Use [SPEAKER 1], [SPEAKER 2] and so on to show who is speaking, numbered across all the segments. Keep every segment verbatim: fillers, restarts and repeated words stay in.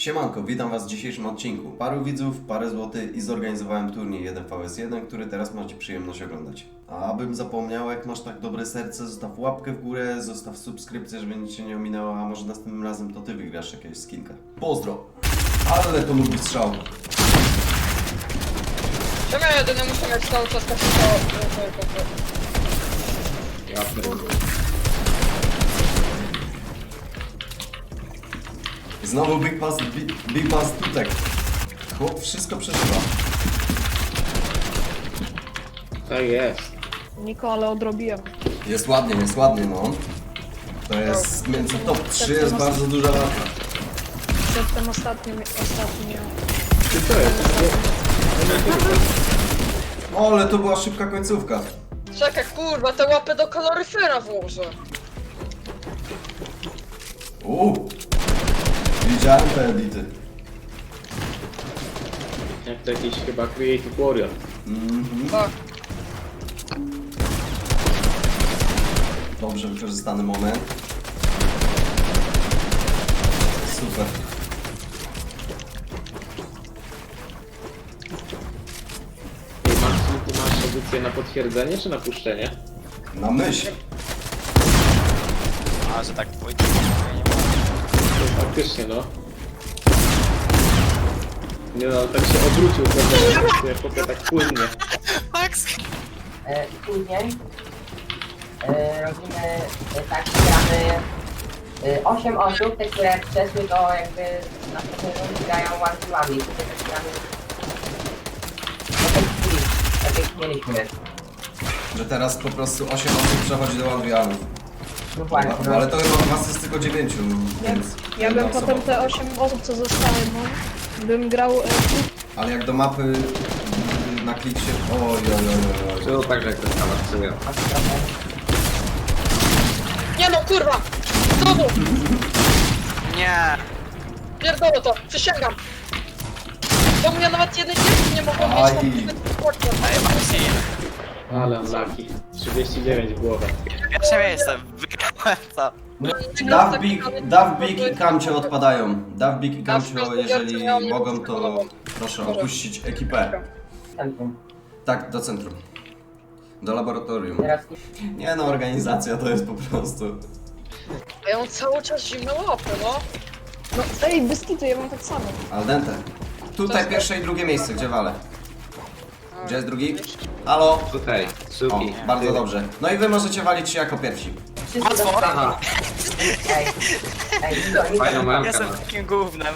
[SPEAKER 1] Siemanko, witam was w dzisiejszym odcinku. Paru widzów, parę złotych i zorganizowałem turniej jeden V jeden, który teraz macie przyjemność oglądać. A abym zapomniał, jak masz tak dobre serce, zostaw łapkę w górę, zostaw subskrypcję, żeby nic się nie ominęło, a może następnym razem to ty wygrasz jakiegoś skinka. Pozdro! Ale to lubi strzał.
[SPEAKER 2] Czemu ja jedyny muszę mieć cały czas kapitał?
[SPEAKER 3] Ja pierdolę.
[SPEAKER 1] Znowu Big Pass, Big, big pass tutek. Chłop wszystko przeżywa.
[SPEAKER 3] Tak jest.
[SPEAKER 4] Niko, ale odrobiłem.
[SPEAKER 1] Jest ładnie, jest ładnie, no. To jest między top trzy jest bardzo duża walka.
[SPEAKER 4] Przedtem ostatnim, ostatnim.
[SPEAKER 3] Ty to jest?
[SPEAKER 1] O, ale to była szybka końcówka.
[SPEAKER 2] Czekaj, kurwa, te łapy do kaloryfera włożę.
[SPEAKER 1] Uuu. Widziałem te edity.
[SPEAKER 3] Jak to jakiś chyba Creative Warrior.
[SPEAKER 1] Mhm.
[SPEAKER 2] Tak.
[SPEAKER 1] Dobrze wykorzystany moment. Super.
[SPEAKER 3] Ej, Max, ty masz pozycję na potwierdzenie czy na puszczenie?
[SPEAKER 1] Na myśl.
[SPEAKER 5] A, że tak pójdzie, nie ma.
[SPEAKER 3] To faktycznie, no. Nie no, tak się obrócił, prawda? Jak potem tak płynnie.
[SPEAKER 5] Max!
[SPEAKER 6] E, I później e, robimy e, tak, że gramy e, osiem osób, te, które przeszły do jakby następnej rundy grają one-to-one, wtedy też gramy potem split, tak jak mieliśmy.
[SPEAKER 1] Że teraz po prostu osiem osób przechodzi do Adrianów.
[SPEAKER 6] No właśnie, no.
[SPEAKER 1] Ale to chyba was jest tylko dziewięciu, więc...
[SPEAKER 4] Ja
[SPEAKER 1] jedna
[SPEAKER 4] bym
[SPEAKER 1] osoba.
[SPEAKER 4] potem te osiem osób, co zostały, no, bym grał... E,
[SPEAKER 1] Ale jak do mapy y, na klik się... Oj, oj, oj, oj, oj.
[SPEAKER 3] Było tak, że jak to stała sobie.
[SPEAKER 6] A to trochę-
[SPEAKER 2] Nie no, kurwa! Znowu!
[SPEAKER 5] Nie!
[SPEAKER 2] Pierdolę to, przysięgam! Bo mnie nawet jednej dziewczyny nie mogą mieć
[SPEAKER 1] Aj.
[SPEAKER 2] na tym
[SPEAKER 5] Ej, Maxi!
[SPEAKER 3] Ale unlucky. trzydzieści dziewięć w głowę.
[SPEAKER 5] Pierwsze miejsce, wygrałem to!
[SPEAKER 1] Dav Big, Dav Big i Kamcio odpadają. Dav Big i Kamcio, jeżeli mogą, to proszę opuścić ekipę.
[SPEAKER 6] Centrum.
[SPEAKER 1] Tak, do centrum. Do laboratorium.
[SPEAKER 6] Teraz
[SPEAKER 1] Nie no, organizacja to jest po prostu...
[SPEAKER 2] A ja mam cały czas zimne łapy, no.
[SPEAKER 4] no, ej, Byskitu, ja mam tak samo.
[SPEAKER 1] Al dente. Tutaj pierwsze i drugie miejsce, gdzie walę? Gdzie jest drugi? Halo?
[SPEAKER 3] Tutaj,
[SPEAKER 1] O,
[SPEAKER 3] suki.
[SPEAKER 1] bardzo dobrze. No i wy możecie walić się jako pierwsi.
[SPEAKER 6] wszyscy dostali.
[SPEAKER 3] Aha,
[SPEAKER 6] Ej, ej, Niko, Niko,
[SPEAKER 3] fajną mamkę
[SPEAKER 5] Jestem
[SPEAKER 3] masz.
[SPEAKER 5] takim gównem.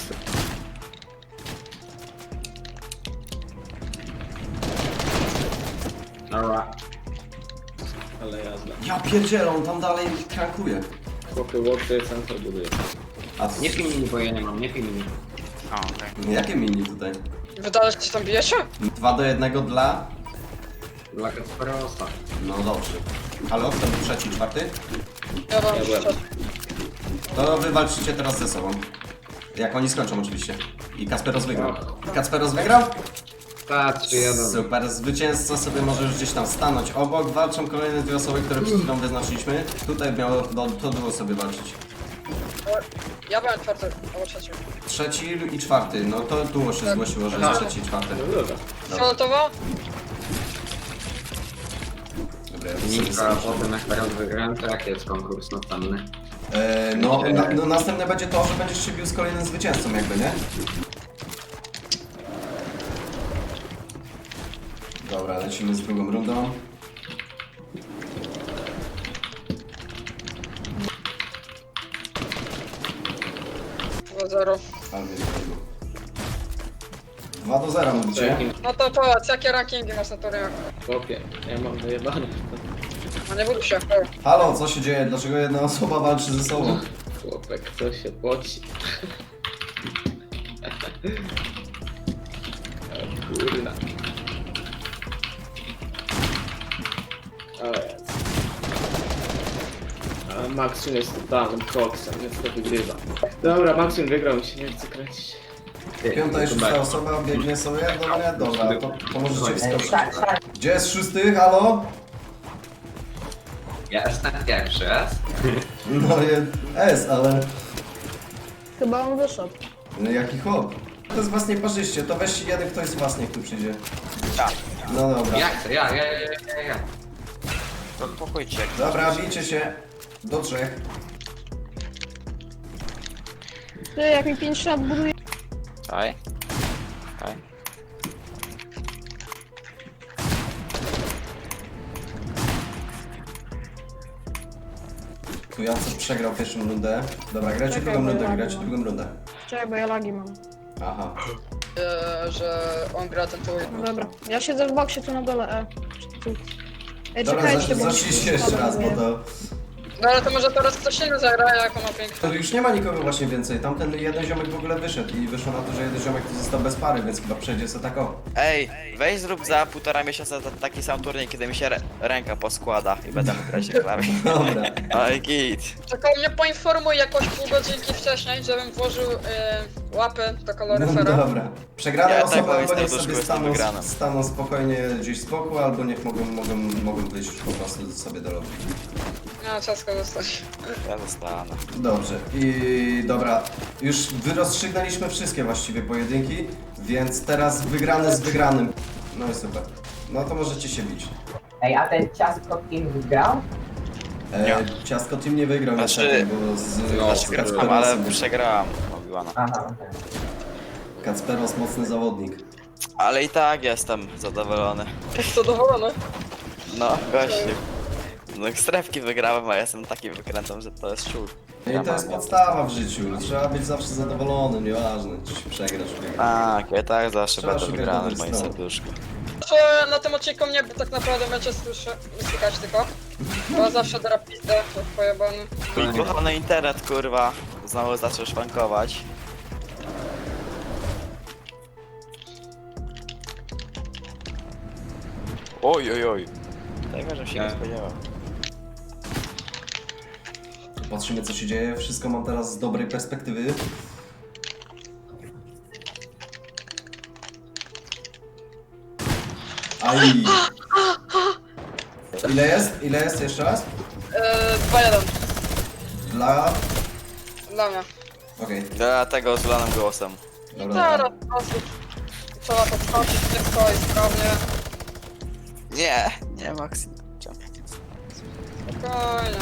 [SPEAKER 3] Dobra. Ale jazda.
[SPEAKER 1] Ja pierdzielę, on tam dalej krankuje.
[SPEAKER 3] Chłopy, łopy, centrum buduje.
[SPEAKER 1] A co?
[SPEAKER 3] Nie pij mini, bo ja nie mam, nie pij mini.
[SPEAKER 5] O, okej.
[SPEAKER 1] Jakie mini tutaj?
[SPEAKER 2] Wydaje się, że tam bijecie?
[SPEAKER 1] Dwa do jednego dla...
[SPEAKER 3] Dla Kasperosa.
[SPEAKER 1] No dobrze. Ale kto był trzeci, czwarty?
[SPEAKER 2] Ja wam
[SPEAKER 3] Ja byłem.
[SPEAKER 2] szczerze.
[SPEAKER 1] To wy walczycie teraz ze sobą. Jak oni skończą oczywiście. I Kasperos wygrał. Kasperos wygrał?
[SPEAKER 3] Tak, trzy jeden.
[SPEAKER 1] Super, zwycięzca sobie może już gdzieś tam stanąć obok. Walczą kolejne dwie osoby, które przed chwilą wyznaczyliśmy. Tutaj miało no, to było sobie walczyć.
[SPEAKER 2] Ja byłem czwarty, albo trzeci.
[SPEAKER 1] Trzeci i czwarty, no to duo się zgłosiło, że jest trzeci i czwarty.
[SPEAKER 3] No dobra.
[SPEAKER 2] Fioletowo?
[SPEAKER 1] Dobra, ja to sobie
[SPEAKER 3] Nika,
[SPEAKER 1] zobaczę.
[SPEAKER 3] potem jak teraz wygrałem, to jaki jest konkurs następny?
[SPEAKER 1] Eee, no, na, no następne będzie to, że będziesz się bił z kolejnym zwycięzcą jakby, nie? Dobra, lecimy z drugą rundą.
[SPEAKER 2] dwa zero.
[SPEAKER 1] Ale mnie wypadło. dwa do zera mówicie?
[SPEAKER 2] No to powiedz, jakie rankingi masz na turniejach?
[SPEAKER 3] Chłopie, ja mam dojebane.
[SPEAKER 2] No nie bój się.
[SPEAKER 1] Halo, co się dzieje? Dlaczego jedna osoba walczy ze sobą?
[SPEAKER 3] Chłopek, co się poci. O kurna. O jest. A Maxim jest totalnym koksem, więc to wygrywa. Dobra, Maxim wygrał, mi się nie chce kręcić.
[SPEAKER 1] Piąta i szósta osoba biegnie sobie? Dobra, dobra, to, to możecie
[SPEAKER 6] Ej,
[SPEAKER 1] wskoczyć.
[SPEAKER 6] tak, tak.
[SPEAKER 1] Gdzie jest szósty? Halo?
[SPEAKER 3] Ja jestem pierwszy raz.
[SPEAKER 1] No jest S, ale...
[SPEAKER 4] Chyba on wyszedł.
[SPEAKER 1] No jaki chłop? To jest was nieparzyście, to weź jeden ktoś z was niech tu przyjdzie.
[SPEAKER 5] Ja.
[SPEAKER 1] No dobra.
[SPEAKER 7] Ja chcę, ja, ja, ja, ja, ja.
[SPEAKER 5] To pokójcie.
[SPEAKER 1] Dobra, bijcie się. Do trzech.
[SPEAKER 4] Ty, jak mi pięć lat buduje...
[SPEAKER 5] Czaj. Czaj.
[SPEAKER 1] Tu Jacek przegrał pierwszą rundę. Dobra, grajcie
[SPEAKER 4] Czekaj,
[SPEAKER 1] drugą
[SPEAKER 4] bo
[SPEAKER 1] rundę,
[SPEAKER 4] ja
[SPEAKER 1] grajcie
[SPEAKER 4] mam.
[SPEAKER 1] drugą rundę.
[SPEAKER 4] Czekaj, bo ja lagi mam.
[SPEAKER 1] Aha.
[SPEAKER 2] E, że on gra ten tuj.
[SPEAKER 4] No dobra, ja siedzę w boksie tu na dole, e. Tu. Ej,
[SPEAKER 1] Dobra,
[SPEAKER 4] czekajcie,
[SPEAKER 1] zasz,
[SPEAKER 4] bo...
[SPEAKER 1] zacznijcie jeszcze raz, bo to...
[SPEAKER 2] No ale to może teraz ktoś inny zagra, jak on ma piękny.
[SPEAKER 1] To już nie ma nikogo właśnie więcej. Tamten jeden ziomek w ogóle wyszedł i wyszło na to, że jeden ziomek to został bez pary, więc chyba przejdzie sobie tak o.
[SPEAKER 5] Ej, weź zrób za półtora miesiąca ta- taki sam turniej, kiedy mi się re ręka poskłada i będę mógł grać na klawie.
[SPEAKER 1] Dobra.
[SPEAKER 5] Oj, git.
[SPEAKER 2] Tylko mnie poinformuj jakoś pół godzinki wcześniej, żebym włożył y, łapy do
[SPEAKER 1] No
[SPEAKER 2] kaloryfera.
[SPEAKER 1] dobra. Przegrane
[SPEAKER 5] Ja
[SPEAKER 1] osoby
[SPEAKER 5] tego
[SPEAKER 1] albo
[SPEAKER 5] jestem
[SPEAKER 1] niech
[SPEAKER 5] do
[SPEAKER 1] sobie
[SPEAKER 5] szkoły,
[SPEAKER 1] staną,
[SPEAKER 5] jestem wygranym.
[SPEAKER 1] staną spokojnie gdzieś z boku, albo niech mogą, mogą, mogą wyjść po prostu sobie do lobby.
[SPEAKER 2] No, ciasko zostać.
[SPEAKER 5] Ja zostanę.
[SPEAKER 1] Dobrze. I dobra. Już wyrozstrzygnęliśmy wszystkie właściwie pojedynki, więc teraz wygrany z wygranym. No i super. No to możecie się bić.
[SPEAKER 6] Ej, a ten ciastko kim wygrał?
[SPEAKER 1] E,
[SPEAKER 5] Nie.
[SPEAKER 1] Ciastko Team nie wygrał
[SPEAKER 5] Znaczy-
[SPEAKER 1] niestety, bo z
[SPEAKER 7] No,
[SPEAKER 5] Znaczy,
[SPEAKER 1] Kacperosem-
[SPEAKER 5] ale przegrałam Obi-Wana.
[SPEAKER 6] Aha, okej.
[SPEAKER 1] Kacperos mocny zawodnik.
[SPEAKER 5] Ale i tak jestem zadowolony.
[SPEAKER 2] Zadowolony.
[SPEAKER 5] No, gościu. No strefki wygrałem, a ja jestem taki wykrętą, że to jest czur.
[SPEAKER 1] No i to jest podstawa w życiu. Trzeba być zawsze zadowolonym, nieważne czy się przegrasz, wygrasz.
[SPEAKER 5] Tak, ja tak zawsze
[SPEAKER 1] Trzeba
[SPEAKER 5] będę
[SPEAKER 1] szukać
[SPEAKER 5] wygrany w
[SPEAKER 1] dobrych
[SPEAKER 5] moim
[SPEAKER 1] stron.
[SPEAKER 5] serduszku.
[SPEAKER 2] Że na tym odcinku mnie tak naprawdę będzie słyszę, słychać tylko. Bo zawsze dra pizdę, to pojebany.
[SPEAKER 5] Mój kochany internet, kurwa, znowu zaczął szwankować. Oj, oj, oj. Tego, że się nie
[SPEAKER 7] Tak.
[SPEAKER 5] spodziewał.
[SPEAKER 1] Patrzymy co się dzieje. Wszystko mam teraz z dobrej perspektywy. Aj. Ile jest? Ile jest jeszcze raz?
[SPEAKER 2] Eee, dwa jeden.
[SPEAKER 1] Dla...
[SPEAKER 2] Dla mnie.
[SPEAKER 1] Okej.
[SPEAKER 5] Dlatego z lanym głosem.
[SPEAKER 1] Dobra,
[SPEAKER 2] Teraz
[SPEAKER 1] dobra.
[SPEAKER 2] osób. Trzeba podskoczyć szybko i sprawnie.
[SPEAKER 5] Nie, nie, Max.
[SPEAKER 2] Spokojnie.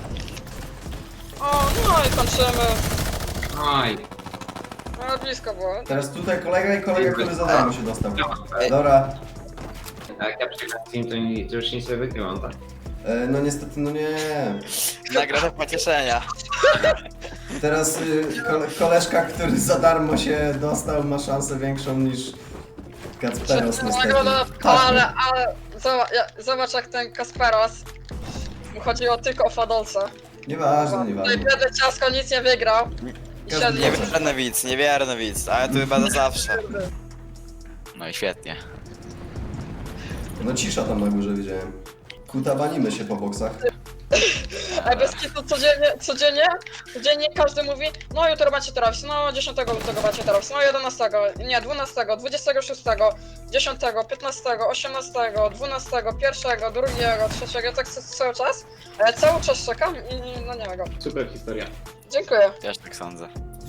[SPEAKER 2] O, no i kończymy.
[SPEAKER 7] Oj.
[SPEAKER 2] No blisko było.
[SPEAKER 1] Teraz tutaj kolega i kolega, który za darmo się dostał. Dobra.
[SPEAKER 7] Jak ja przegram team, to, nie, to już nic nie wygrywam, tak?
[SPEAKER 1] E, no niestety, no nie.
[SPEAKER 5] Nagroda pocieszenia.
[SPEAKER 1] Teraz y, kole, koleżka, który za darmo się dostał, ma szansę większą niż Kacperos niestety.
[SPEAKER 2] Nagroda,
[SPEAKER 1] Tak,
[SPEAKER 2] ale, ale zobacz, ja- zobacz jak ten Kasperos. Mu chodziło tylko o fadolca.
[SPEAKER 1] Nieważne,
[SPEAKER 2] Tutaj
[SPEAKER 1] nieważne.
[SPEAKER 2] biedny ciasko nic nie wygrał. I
[SPEAKER 1] Każdy
[SPEAKER 2] siedzi.
[SPEAKER 1] wie.
[SPEAKER 5] Niewierny widz, niewierny widz, ale tu chyba do zawsze. No i świetnie.
[SPEAKER 1] No cisza tam na górze widziałem. Kutabanimy się po boksach.
[SPEAKER 2] Ej, bez kitu codziennie, codziennie, codziennie każdy mówi, no jutro macie teraz, no dziesiątego lutego macie teraz, no jedenastego, nie, dwunastego, dwudziestego szóstego, dziesiątego, piętnastego, osiemnastego, dwunastego, pierwszego, drugiego, trzeciego, tak ca- cały czas. E, cały czas czekam i no nie ma go.
[SPEAKER 7] Super historia.
[SPEAKER 2] Dziękuję.
[SPEAKER 5] Też tak sądzę.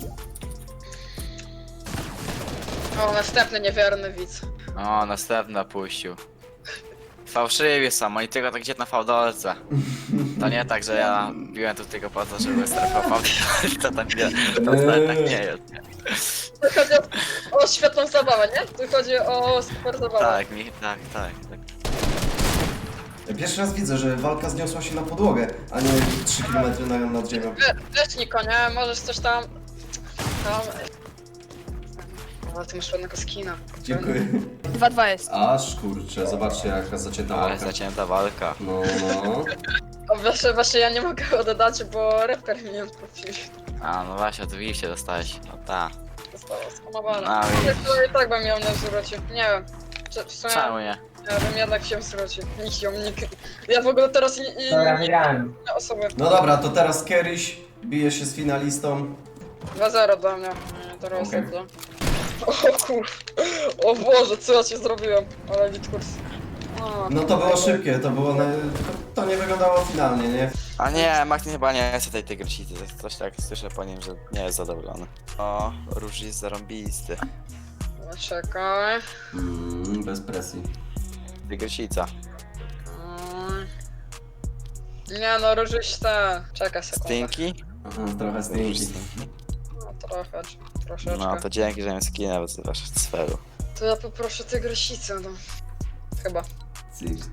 [SPEAKER 2] O, następny niewierny widz.
[SPEAKER 5] O, następny puścił. Fałszywie są, oni tylko tak gdzie na fałdolce. To nie tak, że ja biłem tu tylko po to, żeby strefował. To tak nie, to wcale tak nie jest. Nie?
[SPEAKER 2] Tu chodzi o, o świetną zabawę, nie? Tu chodzi o super zabawę.
[SPEAKER 5] Tak, mi, tak, tak, tak.
[SPEAKER 1] Pierwszy raz widzę, że walka zniosła się na podłogę, a nie trzy kilometry na, nad ziemią.
[SPEAKER 2] We- Weź Niko, nie? Możesz coś tam... tam... O, ty masz ładnego skina.
[SPEAKER 1] Dziękuję.
[SPEAKER 4] dwa dwa jest.
[SPEAKER 1] Aż kurczę, zobaczcie jaka zacięta
[SPEAKER 5] Ale
[SPEAKER 1] walka.
[SPEAKER 5] zacięta walka.
[SPEAKER 1] No, no.
[SPEAKER 2] O, właśnie, właśnie ja nie mogę oddać, bo reper mi nie odpuścił.
[SPEAKER 5] A, no właśnie, oczywiście dostałeś. No ta.
[SPEAKER 2] Zostało skamowane.
[SPEAKER 5] A,
[SPEAKER 2] Ale to i tak bym ją nie zwrócił. Nie wiem. Czy, w sumie,
[SPEAKER 5] Czemu nie?
[SPEAKER 2] ja bym jednak się zwrócił. Nikt ją, nikt... Ja w ogóle teraz i, i
[SPEAKER 6] Dobra, wygrałem.
[SPEAKER 2] nie osoby.
[SPEAKER 1] No dobra, to teraz Keryś bije się z finalistą.
[SPEAKER 2] dwa zero dla mnie. Nie, teraz
[SPEAKER 1] Okej.
[SPEAKER 2] okay. O kur... O Boże, co ja ci zrobiłem? Ale lit kurs. No.
[SPEAKER 1] No to było szybkie, to było... Na... To, to nie wyglądało finalnie, nie?
[SPEAKER 5] A nie, Martin chyba nie chce tej tygrysicy, coś tak słyszę po nim, że nie jest zadowolony. O, róż jest zarąbisty.
[SPEAKER 2] Czekaj.
[SPEAKER 1] Mm, bez presji.
[SPEAKER 5] Tygrysica.
[SPEAKER 2] Mm. Nie no, różyste. Czekaj sekundę.
[SPEAKER 5] Stinky?
[SPEAKER 1] Aha, trochę stinki.
[SPEAKER 2] No trochę, troszeczkę.
[SPEAKER 5] No to dzięki, że mi skinę wyzywasz z sferu.
[SPEAKER 2] To ja poproszę tygrysicę, no. Chyba.
[SPEAKER 1] Cir.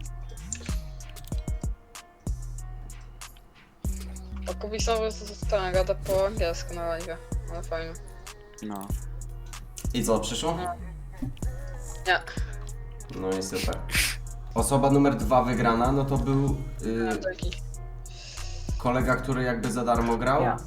[SPEAKER 2] A Kubi znowu ten gada po angielsku na live. Ale fajnie.
[SPEAKER 5] No.
[SPEAKER 1] I co, przyszło?
[SPEAKER 2] Nie.
[SPEAKER 1] No i super. Osoba numer dwa wygrana, no to był
[SPEAKER 2] Nie,
[SPEAKER 1] yy,
[SPEAKER 2] to jakiś.
[SPEAKER 1] kolega, który jakby za darmo grał.
[SPEAKER 6] Ja.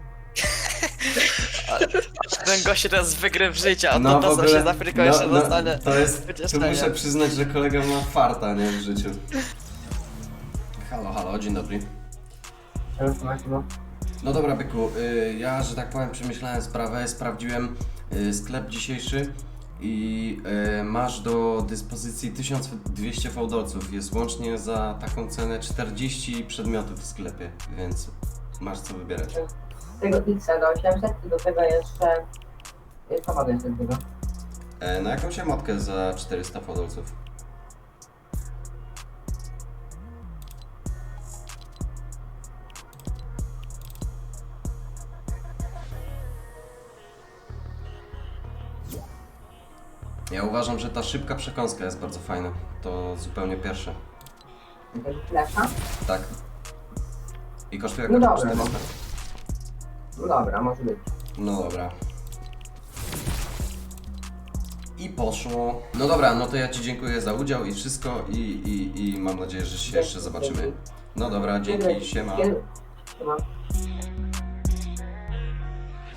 [SPEAKER 5] Ten gość teraz wygryw życia, a
[SPEAKER 1] No,
[SPEAKER 5] to
[SPEAKER 1] w
[SPEAKER 5] to co
[SPEAKER 1] ogóle-
[SPEAKER 5] się z Afryką jeszcze
[SPEAKER 1] no, no,
[SPEAKER 5] dostanie.
[SPEAKER 1] to jest, tu
[SPEAKER 5] wycieszenia.
[SPEAKER 1] muszę przyznać, że kolega ma farta, nie, w życiu. Halo, halo, dzień dobry.
[SPEAKER 6] Już masz, no.
[SPEAKER 1] No dobra, byku, y, ja, że tak powiem, przemyślałem sprawę, sprawdziłem y, sklep dzisiejszy i y, masz do dyspozycji tysiąc dwieście fałdolców. Jest łącznie za taką cenę czterdzieści przedmiotów w sklepie, więc masz co wybierać.
[SPEAKER 6] Z tego X do osiemset i do tego jeszcze... y, Co mogę jeszcze z tego?
[SPEAKER 1] E, na jakąś emotkę za czterysta fałdolców. Ja uważam, że ta szybka przekąska jest bardzo fajna. To zupełnie pierwsze.
[SPEAKER 6] Tego flesza?
[SPEAKER 1] Tak. I kosztuje
[SPEAKER 6] No
[SPEAKER 1] około
[SPEAKER 6] dobra,
[SPEAKER 1] czterysta.
[SPEAKER 6] No dobra, może być.
[SPEAKER 1] No dobra. I poszło. No dobra, no to ja Ci dziękuję za udział i wszystko i, i, i mam nadzieję, że się jeszcze zobaczymy. No dobra, dzięki, siema.
[SPEAKER 6] Kiedy- Siema.